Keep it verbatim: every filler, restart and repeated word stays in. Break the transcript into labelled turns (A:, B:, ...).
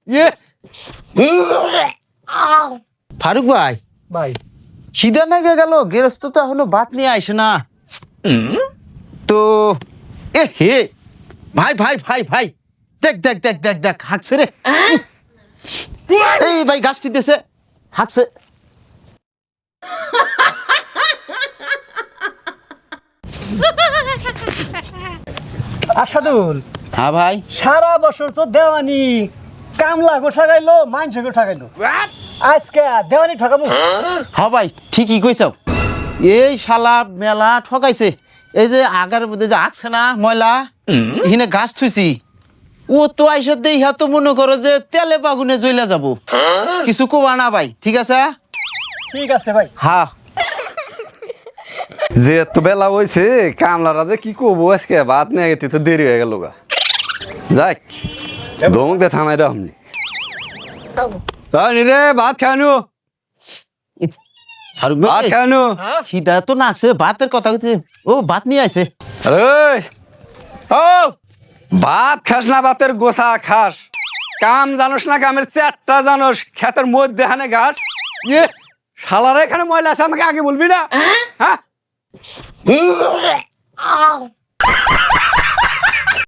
A: ইয়ে ফারুক ভাই
B: ভাই
A: খিদা নাগে গেল গেরস্ত তো এখনো ভাত নিয়ে আইসে না তো এ হে ভাই ভাই ভাই ভাই দেখ দেখ দেখ দেখ দেখ হাঁকছে রে এই ভাই গাছটি দিতেছে হাঁকছে
B: আসাদুল
A: হ্যাঁ ভাই
B: সারা বছর তো দেওয়ানি কামলা গো ঠকাইলো মাংস গো ঠকাইলো আজকে দেওয়ানি ঠকামু
A: হ্যাঁ ভাই ঠিকই কইছাও এই শালা মেলা ঠকাইছে এই যে আগার মধ্যে যে আঁকছে না ময়লা এখানে গাছ থুইছি ও তো আইসা দেই হ্যাঁ তো মনে করো যে তেলে বাগুনে জ্বলা যাব কিছু কোবা না ভাই ঠিক আছে
B: ঠিক আছে ভাই
A: হ্যাঁ
C: যে এত বেলা হয়েছে কামলারা যে কি করবো আজকে ভাত নিয়ে গেতে তো দেরি হয়ে গেল গা যাক ধমক দে থামাই দাও আপনি তাই রে ভাত খাওয়ানো
A: ফারুক
C: ভাত
A: ভাই
C: খাওয়ানো
A: খিদা তো নাচছে ভাতের কথা কইছে ও ভাত নিয়ে আইছে
C: আরে ও ভাত খাস না ভাতের গোসা খাস কাম জানোস না কামের চারটা জানোস ক্ষেতের মধ্যে হানে ঘাস ইয়ে শালারা এখানে ময়লা আছে আমাকে আগে বলবি না হ্যাঁ